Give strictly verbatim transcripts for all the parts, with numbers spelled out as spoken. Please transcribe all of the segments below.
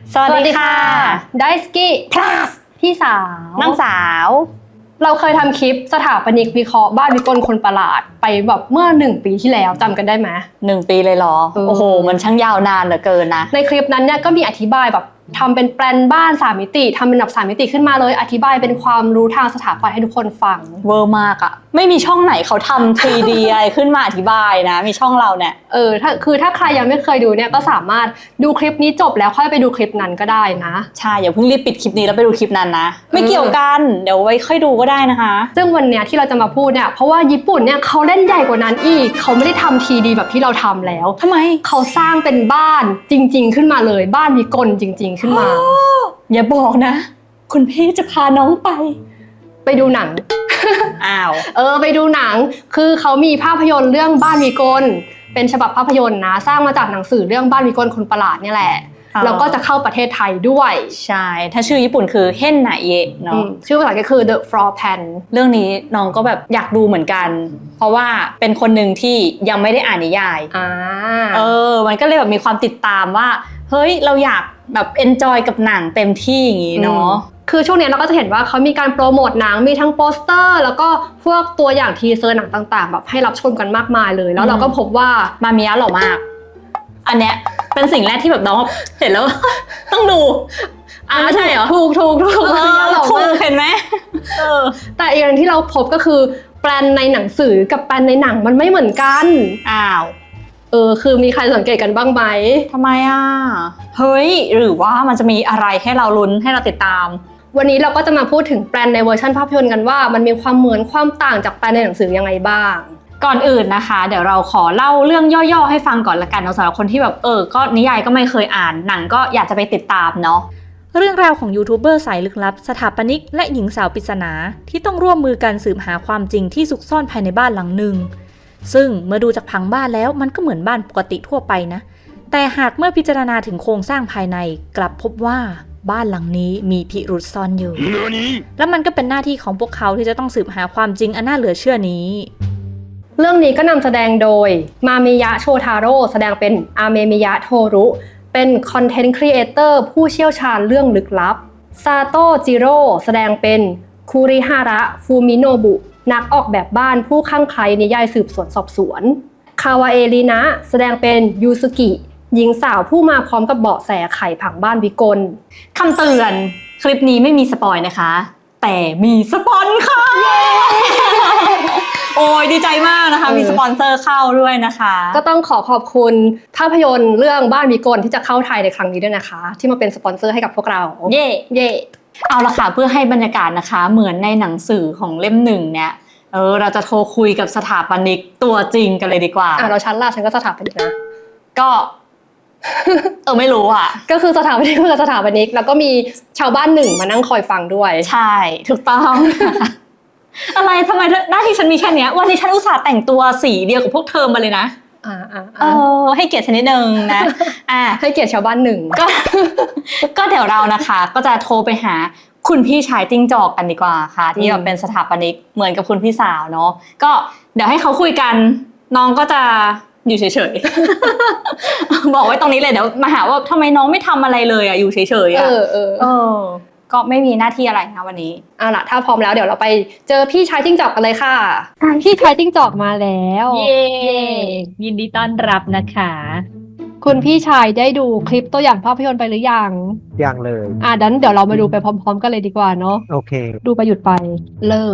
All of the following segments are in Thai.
สวัสดีค่ะไดสกิ plus พี่สาวน้องสาวเราเคยทำคลิปสถาปนิกวิเคราะห์บ้านวิกลคนประหลาดไปแบบเมื่อหนึ่งปีที่แล้วจำกันได้ไหมหนึ่งปีเลยเหรอเออโอ้โห มันช่างยาวนานเหลือเกินนะในคลิปนั้นเนี่ยก็มีอธิบายแบบทำเป็นแปลนบ้านสามมิติทำเป็นแบบสามมิติขึ้นมาเลยอธิบายเป็นความรู้ทางสถาปัตย์ให้ทุกคนฟังเวอร์มากอะไม่มีช่องไหนเขาทำ ทรี ดี อะไรขึ้นมาอธิบายนะ มีช่องเราเนี่ยเออถ้าคือถ้าใครยังไม่เคยดูเนี่ยก็สามารถดูคลิปนี้จบแล้วค่อยไปดูคลิปนั้นก็ได้นะใช่ อย่าเพิ่งรีบปิดคลิปนี้แล้วไปดูคลิปนั้นนะ ไม่เกี่ยวกัน เดี๋ยวไว้ค่อยดูก็ได้นะคะซึ่งวันเนี้ยที่เราจะมาพูดเนี่ยเพราะว่าญี่ปุ่นเนี่ยเขาเล่นใหญ่กว่านั้นอีกเขาไม่ได้ทำทีดีแบบที่เราทำแล้วทำไมเขาสร้างเป็นบ้านจริงๆขึ้นมาเลยบ้านวิกลจริง ๆ ขึ้นมาอย่าบอกนะ คุณพี่จะพาน้องไปไปดูหนังอ้าวเออไปดูหนังคือเขามีภาพยนตร์เรื่องบ้านวิกลเป็นฉบับภาพยนตร์นะสร้างมาจากหนังสือเรื่องบ้านวิกลคนประหลาดเนี่ยแหละอ๋อแล้วก็จะเข้าประเทศไทยด้วยใช่ ถ้าชื่อญี่ปุ่นคือเฮนไนเยะอืเนาะมชื่อภาษาก็คือ The Floor Plan เรื่องนี้น้องก็แบบอยากดูเหมือนกัน เพราะว่าเป็นคนหนึ่งที่ยังไม่ได้อ่านนิยายอ่าเออ มันก็เลยแบบมีความติดตามว่า เฮ้ย เราอยากแบบเอนจอยกับหนังเต็มที่อย่างงี้เนาะคือช่วงนี้เราก็จะเห็นว่าเขามีการโปรโมทหนังมีทั้งโปสเตอร์แล้วก็พวกตัวอย่างทีเซอร์หนังต่างๆ แบบให้รับชมกันมากมายเลย แล้วเราก็พบว่ามามิยะหล่อมาก อันเนี้ยเป็นสิ่งแรกที่แบบน้องเห็นแล้ว ต้องดูอ่าใช่เหรอถูกถูกถูกเออหล่อถูมากกเห็นไหมเออแต่อีกอย่างที่เราพบก็คือแปลนในหนังสือกับแปลนในหนังมันไม่เหมือนกันอ้าวเออคือมีใครสังเกตกันบ้างไหมทำไมอ่ะ เฮ้ย หรือว่ามันจะมีอะไรให้เราลุ้นให้เราติดตามวันนี้เราก็จะมาพูดถึงแปลนในเวอร์ชันภาพยนตร์กันว่ามันมีความเหมือนความต่างจากแปลนในหนังสือยังไงบ้างก่อนอื่นนะคะ เดี๋ยวเราขอเล่าเรื่องย่อๆให้ฟังก่อนละกันเนาะสำหรับคนที่แบบเออก็นิยายก็ไม่เคยอ่านหนังก็อยากจะไปติดตามเนาะเรื่องราวของยูทูบเบอร์สายลึกลับสถาปนิกและหญิงสาวปริศนาที่ต้องร่วมมือกันสืบหาความจริงที่ซุกซ่อนภายในบ้านหลังหนึ่งซึ่งเมื่อดูจากผังบ้านแล้วมันก็เหมือนบ้านปกติทั่วไปนะแต่หากเมื่อพิจารณาถึงโครงสร้างภายในกลับพบว่าบ้านหลังนี้มีพิรุษซ่อนอยู่และมันก็เป็นหน้าที่ของพวกเขาที่จะต้องสืบหาความจริงอันน่าเหลือเชื่อนี้เรื่องนี้ก็นำแสดงโดยมามิยะโชทาโร่แสดงเป็นอาเมมิยะโทรุเป็นคอนเทนต์ครีเอเตอร์ผู้เชี่ยวชาญเรื่องลึกลับซาโตะจิโร่แสดงเป็นคุริฮาระฟูมิโนบุนักออกแบบบ้านผู้ข้างใครนิยายสืบสวนสอบสวนคาวาเอรินะแสดงเป็นยูสุกิหญิงสาวผู้มาพร้อมกับเบาะแสไขผังบ้านวิกลคำเตือนคลิปนี้ไม่มีสปอยนะคะ แต่มีสปอนค่ะ โอ้ยดีใจมากนะคะเออมีสปอนเซอร์เข้าด้วยนะคะก็ต้องขอขอบคุณภาพยนตร์เรื่องบ้านวิกลที่จะเข้าไทยในครั้งนี้ด้วยนะคะ ที่มาเป็นสปอนเซอร์ให้กับพวกเราเย่เย่เอาละค่ะเพื่อให้บรรยากาศนะคะ เหมือนในหนังสือของเล่มหนึ่งเนี่ยเออเราจะโทรคุยกับสถาปนิกตัวจริงกันเลยดีกว่าอ่ะเราชั้นล่ะฉันก็สถาปนิกนะก็ เออไม่รู้อ่ะก็คือสถาปนิกกับสถาปนิกแล้วก็มีชาวบ้านหนึ่งมานั่งคอยฟังด้วยใช่ถูกต้อง อะไรทำไมหน้าที่ฉันมีแค่เนี้ยวันนี้ฉันอุตส่าห์แต่งตัวสีเดียวกับพวกเธอมาเลยนะอ่าอ่าเออให้เกียรติฉันนิดนึงนะ อ่ะให้เกียรติชาวบ้านหนึ่งก็ ก็เดี๋ยวเรานะคะ ก็จะโทรไปหาคุณพี่ชายจิ้งจอกกันดีกว่าค่ะ ที่แบบเป็นสถาปนิกเหมือนกับคุณพี่สาวเนาะก็เดี๋ยวให้เขาคุยกัน น้องก็จะอยู่เฉยๆ บอกไว้ตรงนี้เลยเดี๋ยวมาหาว่าทำไมน้องไม่ทำอะไรเลยอ่ะอยู่เฉยๆเออ่ะอเออเออ ก็ไม่มีหน้าที่อะไรนะวันนี้เอาล่ะถ้าพร้อมแล้วเดี๋ยวเราไปเจอพี่ชายจิ้งจอกกันเลยค่ะ พี่ชายจิ้งจอกมาแล้วเย้ยินดีต้อนรับนะคะคุณพี่ชายได้ดูคลิปตัวอย่างภาพยนตร์ไปหรือยังยังเลยอ่ะดันเดี๋ยวเรามาดูไปพร้อมๆกันเลยดีกว่าเนาะโอเคดูไปหยุดไปเริ่ม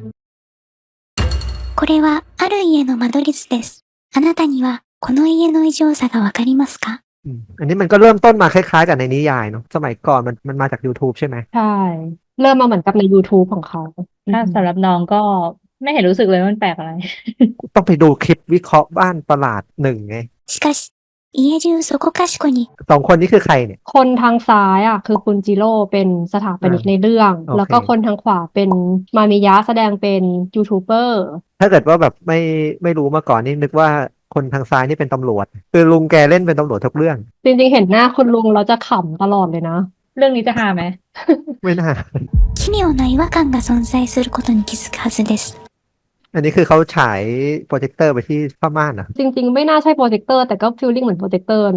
これはある家の間取り図です。あなたにはこの家の異常さがわかりますか？ อืมอันนี้มันก็เริ่มต้นมาคล้ายๆกับในนิยายเนาะสมัยก่อนมันมันมาจาก YouTube ใช่ไหมใช่ เริ่มมาเหมือนกับใน YouTube ของเขาถ้าสำหรับน้องก็ไม่เห็นรู้สึกเลยว่ามันแปลกอะไรต้องไปดูคลิปวิเคราะห์บ้านประหลาดหนึ่งไงしかし、家中そこかしこにสองคนนี้คือใครเนี่ยคนทางซ้ายอ่ะคือคุณจิโร่เป็นสถาปนิกอ่าในเรื่องโอเคแล้วก็คนทางขวาเป็นมามิยะแสดงเป็นยูทูบเบอร์ถ้าเกิดว่าแบบไม่ไม่รู้มาก่อนนี่นึกว่าคนทางซ้ายนี่เป็นตำรวจ คือลุงแกเล่นเป็นตำรวจทุกเรื่องจริงๆเห็นหน้าคุณลุงเราจะขำตลอดเลยนะเรื่องนี้จะหาไหมไม่น่า奇妙な違和感が存在することに気づくはずです。 อันนี้คือเขาฉายโปรเจคเตอร์ไปที่ผ้าม่านเหรอ่ะจริงๆ ไม่น่าใช่โปรเจคเตอร์แต่ก็ฟีลลิ่งเหมือนโปรเจคเตอร์เนาะ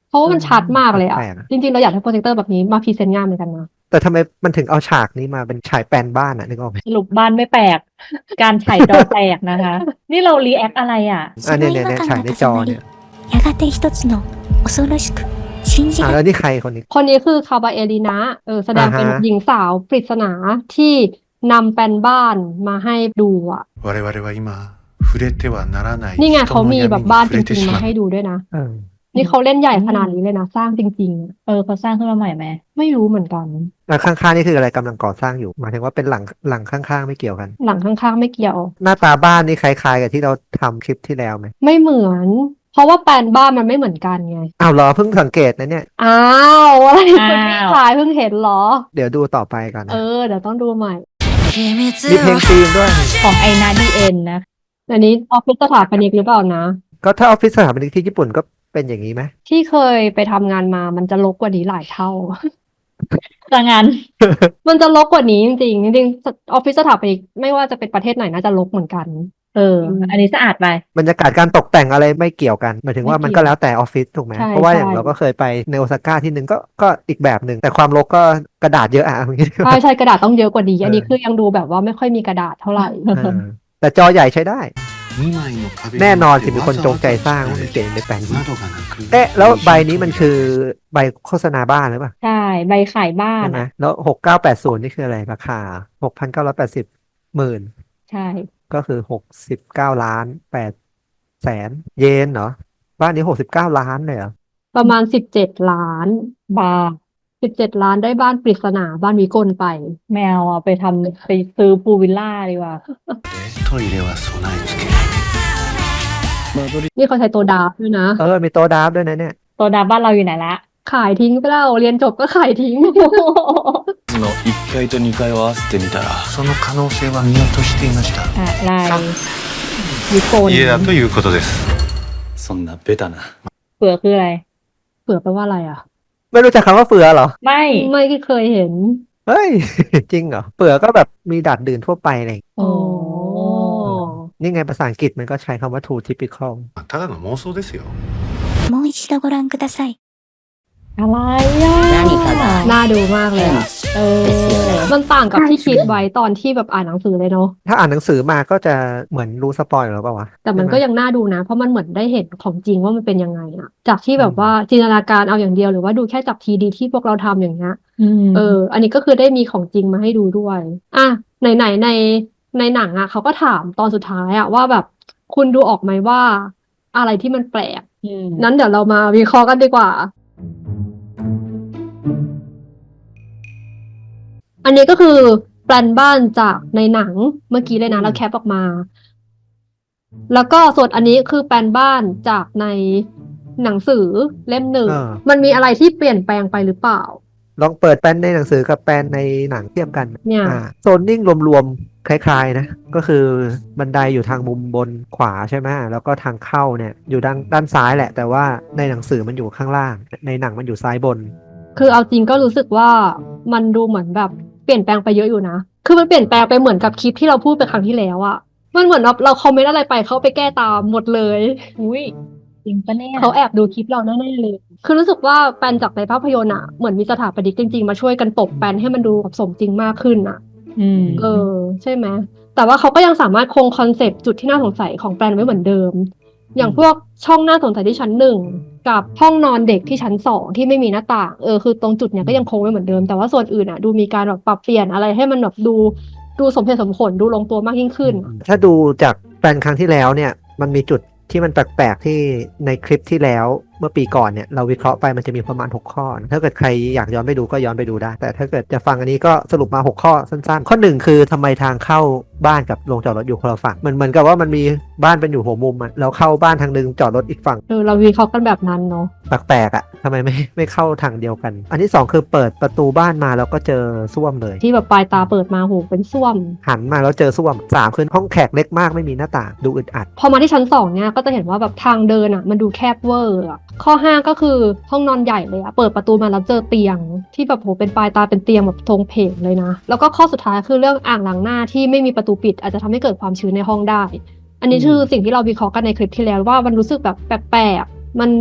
เพราะว่ามันชัดมากเลยอะแปลกๆอะจริงๆเราอยากให้โปรเจคเตอร์แบบนี้มาพรีเซนต์งานเหมือนกันนะแต่ทำไมมันถึงเอาฉากนี้มาเป็นฉายแปลนบ้านอะนึกออกไหมสรุปบ้านไม่แปลก การไฉจอแตกนะคะ นี่เรารีแอคอะไรอ่ะその違和感が重なり、やがて一つの恐ろしく信じอ่าがแล้วนี่ใครคนนี้คนนี้คือคาบาเอลินะเออแสดงเป็นอ่าฮะหญิงสาวปริศนาที่นำแปลนบ้านมาให้ดูอ่ะ我々は今触れてはならないนี่ไง人เขาのมี闇แบบにบ้าน触จれてริงしๆまมาうให้ดูด้วยนะเออนี่เขาเล่นใหญ่ขนาดนี้เลยนะ สร้างจริงๆอะเออเขาสร้างขึ้นมาใหม่ไหมไม่รู้เหมือนกันแล้วข้างๆนี่คืออะไรกำลังก่อสร้างอยู่หมายถึงว่าเป็นหลังหลังข้างๆไม่เกี่ยวกันหลังข้างๆไม่เกี่ยวหน้าตาบ้านนี่คล้ายๆกับที่เราทำคลิปที่แล้วไหมไม่เหมือน เพราะว่าแปลนบ้านมันไม่เหมือนกันไงอ้าวเหรอเพิ่งสังเกตนะเนี่ยอ้าวอะไรอ้าวคุณพี่ชายเพิ่งเห็นเหรอเดี๋ยวดูต่อไปก่อนเอนะอเดี๋ยวต้องดูใหม่มีเพลงธีมด้วยของไอนาดีเอ็นนะอันนี้ออฟฟิศสถาปนิกหรือเปล่านะก็ถ้าออฟฟิศสถาปนิกที่ญี่ปุ่นก็เป็นอย่างนี้ไหมที่เคยไปทำงานมามันจะรกกว่านี้หลายเท่าแต่งานมันจะรกกว่านี้จริงๆจริงๆออฟฟิศสถาปนิกไม่ว่าจะเป็นประเทศไหนน่าจะรกเหมือนกันเออ อันนี้สะอาดไปบรรยากาศการตกแต่งอะไรไม่เกี่ยวกันหมายถึงว่าไม่มันเกี่ก็ยวแล้วแต่ออฟฟิศถูกไหมใช่เพราะว่าอย่างใช่เราก็เคยไปในโอซาก้าที่หนึ่งก็ก็อีกแบบหนึ่งแต่ความรกก็กระดาษเยอะอะอย่างนี้ดีกใช่ว่าใช่กระดาษต้องเยอะกว่านี้ อันนี้เออคือยังดูแบบว่าไม่ค่อยมีกระดาษเท่าไหร่เออแต่จอใหญ่ใช้ได้にまいの壁แน่นอนสิにมีわคนざจわงざใจสร้าง作ว่าらมันれเก๋ในแปลนนี้窓がなくเอ๊ะแล้วใบนี้มันคือใบโฆษณาบ้านหรือเปล่าใช่ ใบขายบ้านใช่ไหมอ่ะแล้วหกเก้าแปดศูนย์นี่คืออะไรราคาหกพันเก้าร้อยแปดสิบหมื่นใช่ก็คือหกสิบเก้าล้านแปดแสนเยนเหรอ บ้านนี้หกสิบเก้าล้านเลยเหรอประมาณสิบเจ็ดล้านบาทสิบเจ็ดล้านได้บ้านปริศนาบ้านวิกลไปแมวอ่ะไปทำไปซื้อพูลวิลล่าดีกว่าトイレは備え付けนี่เขาใช้ตัวดาร์ฟด้วยนะเออ มีโต๊ะดราฟต์ด้วยนะเนี่ยตัวดาบ้านเราอยู่ไหนละขายทิ้งไปแล้วเรียนจบก็ขายทิ้งのいっかいとにかいを合わせてみたらその可能性は見落としていましたอะไรวิกล家だということです。 そんなベタなเผื่อคืออะไรเผื่อแปลว่าอะไรอ่ะไม่รู้จักคำว่าเฟือเหรอไม่ไม่เคยเห็นเฮ้ย จริงเหรอเฟือก็แบบมีดัดดื่นทั่วไปอะไรอย่างเลยโอ้นี่ไงภาษาอังกฤษมันก็ใช้คำว่า too typical ただの妄想ですよ。 もう一度ご覧ください。 อะไรอ่ะน่าดูมากเลยอ่ะเออมันต่างกับที่คิดไว้ตอนที่แบบอ่านหนังสือเลยเนาะถ้าอ่านหนังสือมาก็จะเหมือนรู้สปอยล์หรือเปล่าวะแต่มันก็ใช่ไหยังน่าดูนะ เพราะมันเหมือนได้เห็นของจริงว่ามันเป็นยังไงอะจากที่แบบว่าจินตนาการเอาอย่างเดียวหรือว่าดูแค่จากทีดีที่พวกเราทำอย่างเงี้ยอืมเออ อันนี้ก็คือได้มีของจริงมาให้ดูด้วย อ่ะไหนไหนในในหนังอะเขาก็ถามตอนสุดท้ายอะว่าแบบคุณดูออกไหมว่า อะไรที่มันแปลกอืมนั้นเดี๋ยวเรามาวิเคราะห์กันดีกว่า อันนี้ก็คือแปลนบ้านจากในหนังเมื่อกี้เลยนะเราแคปออกมา แล้วก็ส่วนอันนี้คือแปลนบ้านจากในหนังสือเล่มหนึ่งเออมันมีอะไรที่เปลี่ยนแปลงไปหรือเปล่าลองเปิดแปลนในหนังสือกับแปลนในหนังเทียบกันเนี่ยอ่าโซนนิ่งรวมๆ คล้ายๆนะ ก็คือบันไดอยู่ทางมุมบนขวาใช่ไหมแล้วก็ทางเข้าเนี่ยอยู่ด้านด้านซ้ายแหละ แต่ว่าในหนังสือมันอยู่ข้างล่าง ในหนังมันอยู่ซ้ายบนคือเอาจริงก็รู้สึกว่ามันดูเหมือนแบบเปลี่ยนแปลงไปเยอะอยู่นะ คือมันเปลี่ยนแปลงไปเหมือนกับคลิปที่เราพูดไปครั้งที่แล้วอะมันเหมือนเราเราคอมเมนต์อะไรไปเขาไปแก้ตามหมดเลยอุ้ยจริงปะเนี่ยเขาแอบดูคลิปเราแน่ๆเลย คือรู้สึกว่าแปลนจากในภาพยนตร์อะเหมือนมีสถาปนิกจริงๆมาช่วยกันตบแปลนให้มันดูแบบสมจริงมากขึ้นอะอืมเออใช่ไหมแต่ว่าเขาก็ยังสามารถคงคอนเซปต์จุดที่น่าสงสัยของแปลนไว้เหมือนเดิม อย่างพวกช่องน่าสงสัยที่ชั้นหนึ่งกับห้องนอนเด็กที่ชั้นสองที่ไม่มีหน้าต่างเออคือตรงจุดเนี้ยก็ยังคงไว้เหมือนเดิมแต่ว่าส่วนอื่นอ่ะดูมีการแบบปรับเปลี่ยนอะไรให้มันแบบดูดูสมเหตุสมผลดูลงตัวมากยิ่งขึ้นถ้าดูจากแปลนครั้งที่แล้วเนี่ยมันมีจุดที่มันแปลกๆที่ในคลิปที่แล้วเมื่อปีก่อนเนี่ยเราวิเคราะห์ไปมันจะมีประมาณหกข้อนะถ้าเกิดใครอยากย้อนไปดูก็ย้อนไปดูได้ แต่ถ้าเกิดจะฟังอันนี้ก็สรุปมาหกข้อสั้นๆ ข้อหนึ่งคือทำไมทางเข้าบ้านกับโรงจอดรถอยู่คนละฝั่งเหมือนเหมือนกับว่ามันมีบ้านเป็นอยู่หัวมุมอะแล้วเข้าบ้านทางนึงจอดรถอีกฝั่งเออเราวิเคราะห์กันแบบนั้นเนาะแปลกๆอะทำไมไม่ไม่เข้าทางเดียวกัน อันที่สองคือเปิดประตูบ้านมาแล้วก็เจอส้วมเลยที่แบบปลายตาเปิดมาโหเป็นส้วมหันมาแล้วเจอส้วมสามคือห้องแขกเล็กมากไม่มีหน้าต่างดูอึดอัดพอมาที่ชั้นสองเนี่ยก็จะเห็นว่าแบบทางเดินอ่ะมันดูแคบเวอร์อะข้อห้าก็คือห้องนอนใหญ่เลยอะเปิดประตูมาแล้วเจอเตียง ที่แบบโหเป็นปลายตาเป็นเตียงแบบทรงเพงเลยนะ แล้วก็ข้อสุดท้ายคือเรื่องอ่างล้างหน้าที่ไม่มีประตูปิดอาจจะทำให้เกิดความชื้นในห้องได้ อันนี้คือสิ่งที่เราวิเคราะห์กันในคลิปที่แล้วว่ามันรู้สึกแบบแปลกๆมันแบบ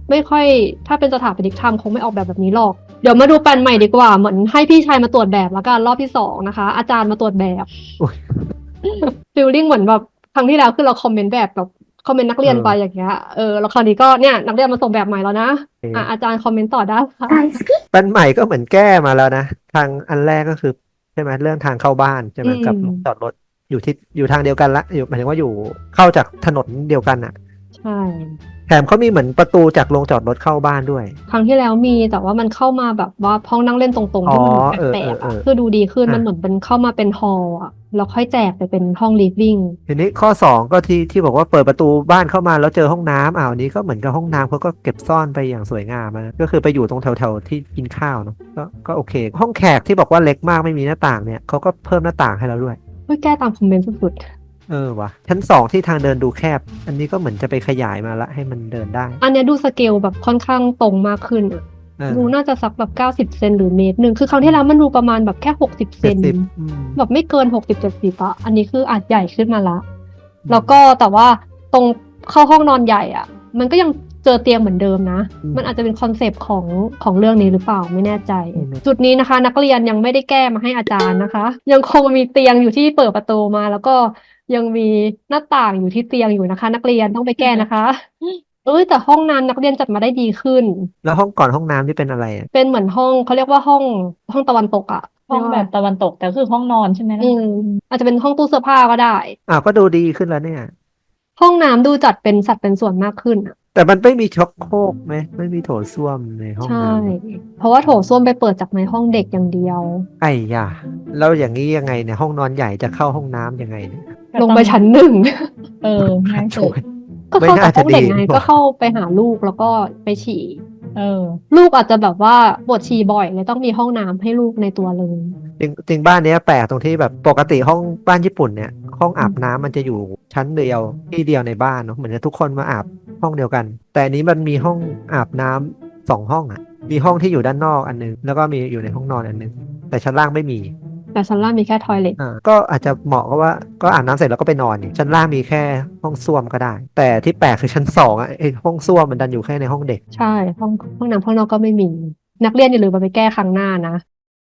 ไม่ค่อยถ้าเป็นสถาปนิกทำคงไม่ออกแบบแบบนี้หรอกเดี๋ยวมาดูแปลนใหม่ดีกว่าเหมือนให้พี่ชายมาตรวจแบบแล้วกันรอบที่สองนะคะ อาจารย์มาตรวจแบบโอ้ยฟีลลิ่งเหมือนแบบครั้งที่แล้วคือเราคอมเมนต์แบบแบบคอมเมนต์นักเรียนเออไปอย่างเงี้ยเออแล้วคราวนี้ก็เนี่ยนักเรียนมาส่งแบบใหม่แล้วนะเอออ่ะอาจารย์คอมเมนต์ต่อได้ค่ะ大好きแปลนใหม่ก็เหมือนแก้มาแล้วนะทางอันแรกก็คือใช่ไหมเรื่องทางเข้าบ้านใช่ไหมอืมกับลงจอดรถอยู่ที่อยู่ทางเดียวกันละอยู่หมายถึงว่าอยู่เข้าจากถนนเดียวกันอ่ะใช่แถมเขามีเหมือนประตูจากโรงจอดรถเข้าบ้านด้วยครั้งที่แล้วมีแต่ว่ามันเข้ามาแบบว่าห้องนั่งเล่นตรงๆที่มันอ๋อแปลกๆเออเอออ่ะเออคือดูดีขึ้นอ่ะมันเหมือนเป็นเข้ามาเป็นฮอลล์อ่ะแล้วค่อยแจกไปเป็นห้องลิฟวิ่งทีนี้ข้อสองก็ที่ที่บอกว่าเปิดประตูบ้านเข้ามาแล้วเจอห้องน้ำอ้าวอันนี้ก็เหมือนกับห้องน้ำเขาก็เก็บซ่อนไปอย่างสวยงามนะก็คือไปอยู่ตรงแถวๆที่กินข้าวเนาะก็ก็โอเค ห้องแขกที่บอกว่าเล็กมากไม่มีหน้าต่างเนี่ยเขาก็เพิ่มหน้าต่างให้เราด้วยเฮ้ยแก้ตามคอมเมนต์สุดเออวะชั้นสองที่ทางเดินดูแคบ อันนี้ก็เหมือนจะไปขยายมาละให้มันเดินได้ๆอันเนี้ยดูสเกลแบบค่อนข้างตรงมากขึ้นอ่ะเออดูน่าจะสักแบบเก้าสิบเซนหรือเมตรหนึ่งคือครั้งที่แล้วมันดูประมาณแบบแค่หกสิบเซเจ็ดนสิบอืมแบบไม่เกินหกสิบเจ็ดสิบอะอันนี้คืออาจใหญ่ขึ้นมาละ แล้วก็แต่ว่าตรงเข้าห้องนอนใหญ่อ่ะ มันก็ยังเจอเตียงเหมือนเดิมนะอืมมันอาจจะเป็นคอนเซปต์ของของเรื่องนี้หรือเปล่าไม่แน่ใจอืมจุดนี้นะคะ นักเรียนยังไม่ได้แก้มาให้อาจารย์นะคะ ยังคงมีเตียงอยู่ที่เปิดประตูมา แล้วก็ยังมีหน้าต่างอยู่ที่เตียงอยู่นะคะ นักเรียนต้องไปแก้นะคะ เอ้ยแต่ห้องน้ำนักเรียนจัดมาได้ดีขึ้นแล้วห้องก่อนห้องน้ำที่เป็นอะไรอ่ะเป็นเหมือนห้องเขาเรียกว่าห้องห้องตะวันตกอะห้องแบบตะวันตกแต่คือห้องนอนใช่ไหมนะอืมอาจจะเป็นห้องตู้เสื้อผ้าก็ได้อ้าวก็ดูดีขึ้นแล้วเนี่ยห้องน้ำดูจัดเป็นสัดเป็นส่วนมากขึ้นอะแต่มันไม่มีช็อกโครกไหมไม่มีโถส้วมในห้องใช่น้ำเพราะว่าโถส้วมไปเปิดจากในห้องเด็กอย่างเดียวไอ้ยาแล้วอย่างนี้ยังไงเนี่ยห้องนอนใหญ่จะเข้าห้องน้ำยังไงเนี่ยลงไปชั้นหนึ่งเออง่ายสุโถ่ดก็เข้าจากห้องเด็กไม่น่าจะดีไงกว่าก็เข้าไปหาลูกแล้วก็ไปฉี่เออลูกอาจจะแบบว่าปวดฉี่บ่อยเลยต้องมีห้องน้ำให้ลูกในตัวเลยจริงจริงบ้านเนี้ยแปลกตรงที่แบบปกติห้องบ้านญี่ปุ่นเนี่ย ห้องอาบน้ำมันจะอยู่ชั้นเดียวที่เดียวในบ้านเนาะเหมือนจะทุกคนมาอาบห้องเดียวกัน แต่อันนี้มันมีห้องอาบน้ำสองห้องอ่ะ มีห้องที่อยู่ด้านนอกอันนึงแล้วก็มีอยู่ในห้องนอนอันนึงแต่ชั้นล่างไม่มีแต่ชั้นล่างมีแค่ทอยเล็ตอ่าก็อาจจะเหมาะก็ว่าก็อาบน้ำเสร็จแล้วก็ไปนอนนี่ชั้นล่างมีแค่ห้องส้วมก็ได้ แต่ที่แปลกคือชั้นสองอ่ะไอห้องส้วมมันดันอยู่แค่ในห้องเด็กใช่ห้องห้องน้ำข้างนอกก็ไม่มี นักเรียนอย่าลืมเอาไปแก้ครั้งหน้านะ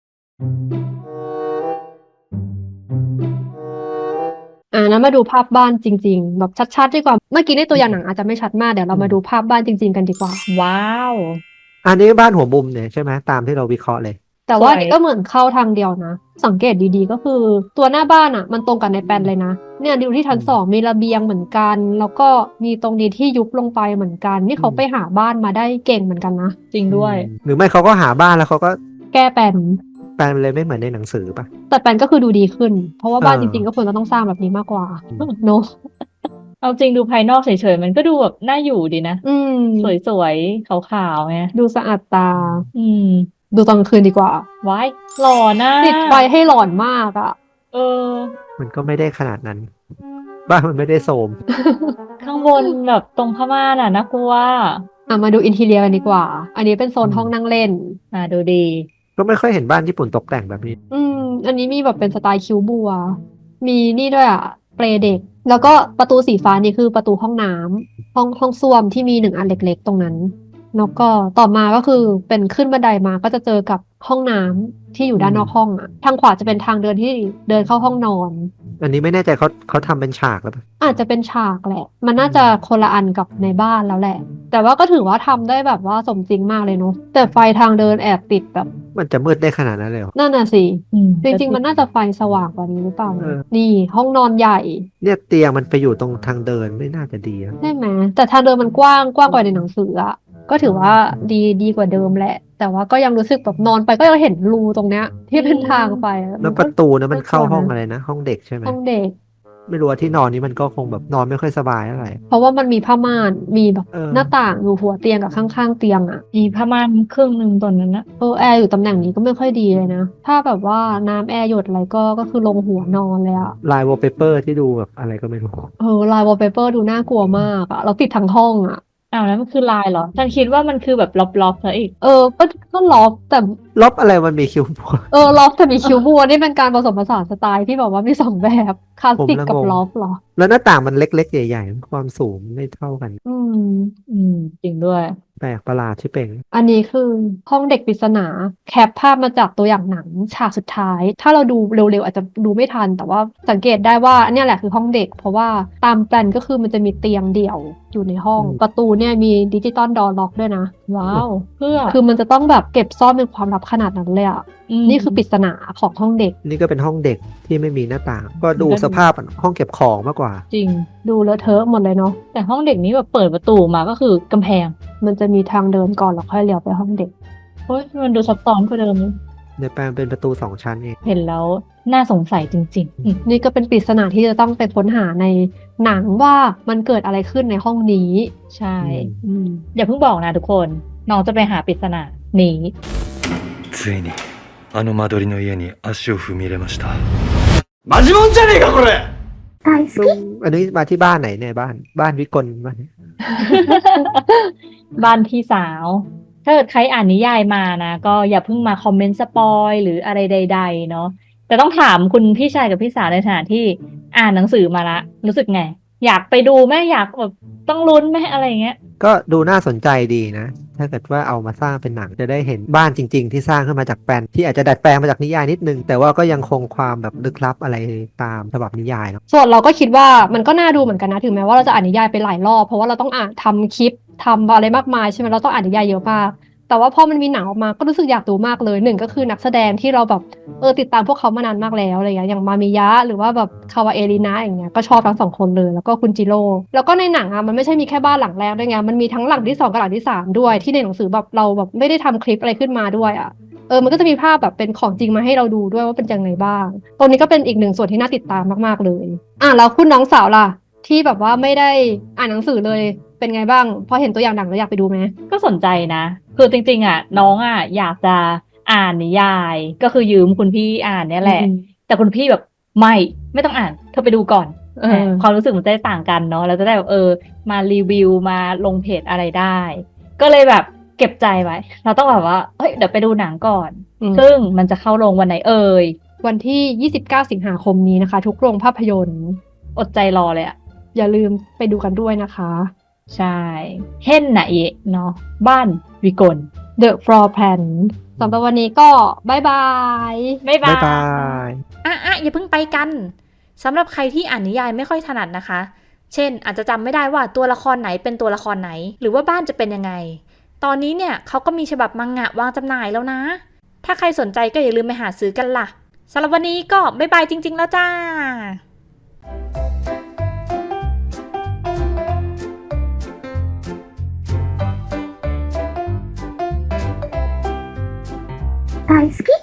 อ่านั้นมาดูภาพบ้านจริง ๆ แบบชัดๆดีกว่า เมื่อกี้ในตัวอย่างหนังอาจจะไม่ชัดมากเดี๋ยวเรามาดูภาพบ้านจริง ๆ กันดีกว่าว้าวอันนี้บ้านหัวมุมเนี่ยใช่ไหมตามที่เราวิเคราะห์เลยแต่ว่าสวยนี่ก็เหมือนเข้าทางเดียวนะ สังเกตดีๆก็คือตัวหน้าบ้านอ่ะ มันตรงกับในแปลนเลยนะ เนี่ยดูที่ชั้นอืมสองมีระเบียงเหมือนกัน แล้วก็มีตรงนี้ที่ยุบลงไปเหมือนกัน นี่เขาอืมไปหาบ้านมาได้เก่งเหมือนกันนะจริงด้วยอืมหรือไม่เขาก็หาบ้านแล้วเขาก็แก้แปลนแปลมันเลยไม่เหมือนในหนังสือปะแต่แปลนก็คือดูดีขึ้น เพราะว่าบ้านเอจอริงๆก็ควรจะต้องสร้างแบบนี้มากกว่าอืมเนอะเอาจริงดูภายนอกเฉยๆมันก็ดูแบบน่าอยู่ดีนะอืมสวยๆ ขาวๆไงดูสะอาดตาอืมดูตอนกลางคืนดีกว่าว้ายหล่อนะติดไฟให้หลอนมากอ่ะเออมันก็ไม่ได้ขนาดนั้น บ้านมันไม่ได้โทรมข้างบนแบบตรงผ้าม่านอ่ะน่ากลัวอ่ะมาดูอินทีเรียกันดีกว่า อันนี้เป็นโซนอืมห้องนั่งเล่นอ่าดูดีก็ไม่ค่อยเห็นบ้านญี่ปุ่นตกแต่งแบบนี้อืม อันนี้มีแบบเป็นสไตล์คิวบัว มีนี่ด้วยอ่ะ เปลเด็ก แล้วก็ประตูสีฟ้านี่คือประตูห้องน้ำห้องห้องส้วมที่มีหนึ่งอันเล็กๆ ตรงนั้น แล้วก็ต่อมาก็คือเป็นขึ้นบันไดมาก็จะเจอกับห้องน้ำที่อยู่ด้านนอกห้องอ่ะ ทางขวาจะเป็นทางเดินที่เดินเข้าห้องนอนอันนี้ไม่แน่ใจเขาเขาทำเป็นฉากแล้วปะอาจจะเป็นฉากแหละ มันน่าจะคนละอันกับในบ้านแล้วแหละ แต่ว่าก็ถือว่าทำได้แบบว่าสมจริงมากเลยเนาะ แต่ไฟทางเดินแอบติดแบบมันจะมืดได้ขนาดนั้นเลยเหรอนั่นน่ะสิอืมจริงๆ มันน่าจะไฟสว่างกว่านี้หรือเปล่าเออนี่ห้องนอนใหญ่เนี่ยเตียงมันไปอยู่ตรงทางเดินไม่น่าจะดีอะใช่ไหม แต่ทางเดินมันกว้างกว้างกว่าในหนังสืออะก็ถือว่าดีดีกว่าเดิมแหละ แต่ว่าก็ยังรู้สึกแบบนอนไปก็ยังเห็นรูตรงเนี้ย ที่เป็นทางไปอะแล้วมันปก็ระตูนะมันเข้าน่ากลัวนะห้องอะไรนะ ห้องเด็กใช่ไหมห้องเด็กไม่รู้ว่าที่นอนนี้มันก็คงแบบนอนไม่ค่อยสบายเท่าไหร่เพราะว่ามันมีผ้าม่าน มีแบบเออหน้าต่างอยู่หัวเตียงกับข้างๆเตียงอะมีผ้าม่านครึ่งหนึ่งตอนนั้นนะเออแอร์อยู่ตำแหน่งนี้ก็ไม่ค่อยดีเลยนะ ถ้าแบบว่าน้ำแอร์หยดอะไรก็ก็คือลงหัวนอนเลยอะลายวอลเปเปอร์ที่ดูแบบอะไรก็ไม่รู้เออลายวอลเปเปอร์ดูน่ากลัวมากอะเราติดทั้งห้องอะอ้าวแล้วมันคือลายเหรอ ฉันคิดว่ามันคือแบบล็อบๆซะอีกเออก็ก็ล็อกแต่ลบอะไรมันมีคิวบัวเออล็อกแต่มีคิวบัวนี่เป็นการผสมผสานสไตล์ที่แบบว่ามีสองแบบคลาสสิกผมละกับงงล็อกเหรอแล้วหน้าต่างมันเล็กๆใหญ่ๆความสูงไม่เท่ากันอืมอืม จริงด้วยแปลกประหลาดชิเป่งอันนี้คือห้องเด็กปริศนาแคปภาพมาจากตัวอย่างหนังฉากสุดท้าย ถ้าเราดูเร็วๆอาจจะดูไม่ทัน แต่ว่าสังเกตได้ว่าเนี่ยแหละคือห้องเด็ก เพราะว่าตามแปลนก็คือมันจะมีเตียงเดี่ยวอยู่ในห้องอืมประตูเนี่ยมีดิจิตอลดอร์ล็อกด้วยนะว้าว เพื่อคือมันจะต้องแบบเก็บซ่อนเป็นความลับขนาดนั้นเลยอ่ะมนี่คือปริศนาของห้องเด็กนี่ก็เป็นห้องเด็กที่ไม่มีหน้าต่าง ก็ดูก็ดูสภาพห้องเก็บของมากกว่าจริงดูเลอะเทอะหมดเลยเนาะแต่ห้องเด็กนี้แบบเปิดประตูมาก็คือกำแพงมันจะมีทางเดินก่อนแล้วค่อยเลี้ยวไปห้องเด็กเฮ้ยมันดูซับซ้อนกว่าเดิมนะในแปลงเป็นประตูสองชั้นเองเห็นแล้วน่าสงสัยจริงๆอืมนี่ก็เป็นปริศนาที่จะต้องไปค้นหาในหนังว่ามันเกิดอะไรขึ้นในห้องนี้ใช่อืมอย่าเพิ่งบอกนะทุกคน น้องจะไปหาปริศนานี้ついにあの間取りの家に足を踏み入れましたマジモンじゃねえかこれ大好き。 อันนี้มาที่บ้านไหนเนี่ยบ้านบ้านวิกลบ้านเนี่ยบ้านพี่สาว ถ้าเกิดใครอ่านนิยายมานะ ก็อย่าเพิ่งมาคอมเมนต์สปอยหรืออะไรใดๆเนาะแต่ต้องถามคุณพี่ชายกับพี่สาวในฐานะที่อ่านหนังสือมาละ รู้สึกไง อยากไปดูไหมอยากแบบต้องลุ้นไหมอะไรอย่างเงี้ยก็ดูน่าสนใจดีนะ ถ้าเกิดว่าเอามาสร้างเป็นหนังจะได้เห็นบ้านจริง ๆ ที่สร้างขึ้นมาจากแปลนที่อาจจะดัดแปลงมาจากนิยายนิดนึง แต่ว่าก็ยังคงความแบบลึกลับอะไรตามฉบับนิยายเนาะส่วนเราก็คิดว่ามันก็น่าดูเหมือนกันนะ ถึงแม้ว่าเราจะอ่านนิยายไปหลายรอบ เพราะว่าเราต้องอ่านทำคลิปทำอะไรมากมายใช่ไหมเราต้องอ่านนิยายเยอะมาก แต่ว่าพอมันมีหนังออกมาก็รู้สึกอยากดูมากเลยหนึ่งก็คือนักแสดงที่เราแบบเออติดตามพวกเขามานานมากแล้วอะไรอย่างเงี้ยอย่างมามิยะหรือว่าแบบคาวาเอรินะอย่างเงี้ยก็ชอบทั้งสองคนเลยแล้วก็คุณจิโร่แล้วก็ในหนังอ่ะมันไม่ใช่มีแค่บ้านหลังแรกด้วยไงมันมีทั้งหลังที่สองกับหลังที่สามด้วยที่ในหนังสือแบบเราแบบไม่ได้ทำคลิปอะไรขึ้นมาด้วยอ่ะ เออ มันก็จะมีภาพแบบเป็นของจริงมาให้เราดูด้วยว่าเป็นยังไงบ้าง ตรงนี้ก็เป็นอีกหนึ่งส่วนที่น่าติดตามมากๆเลย อ่ะแล้วคุณน้องสาวล่ะ ที่แบบว่าไม่ได้อ่านหนังสือเลย เป็นไงบ้าง พอเห็นตัวอย่างหนังแล้วอยากไปดูไหมก็สนใจนะ คือจริงๆอ่ะน้องอ่ะอยากจะอ่านนิยาย ก็คือยืมคุณพี่อ่านเนี่ยแหละอืมแต่คุณพี่แบบไม่ไม่ต้องอ่านเธอไปดูก่อนเออความรู้สึกมันจะได้ต่างกันเนาะเราจะได้แบบเออมารีวิวมาลงเพจอะไรได้ ก็เลยแบบเก็บใจไว้ เราต้องแบบว่าเฮ้ยเดี๋ยวไปดูหนังก่อนอืมซึ่งมันจะเข้าโรงวันไหนเอ่ยวันที่ ยี่สิบเก้า สิงหาคมนี้นะคะ ทุกโรงภาพยนตร์อดใจรอเลยอ่ะอย่าลืมไปดูกันด้วยนะคะใช่เห็นนะเอะเนาะบ้านวิกล The Floor Plan สำหรับวันนี้ก็บายบายบ๊ายบาบ๊ายยบายอ่ะอ่ะอย่าเพิ่งไปกันสำหรับใครที่อ่านนิยายไม่ค่อยถนัดนะคะ เช่น อาจจะจำไม่ได้ว่าตัวละครไหนเป็นตัวละครไหน หรือว่าบ้านจะเป็นยังไง ตอนนี้เนี่ยเขาก็มีฉบับมังงะวางจำหน่ายแล้วนะ ถ้าใครสนใจก็อย่าลืมไปหาซื้อกันล่ะสำหรับวันนี้ก็บ๊ายบายจริง ๆ แล้วจ้า大好き。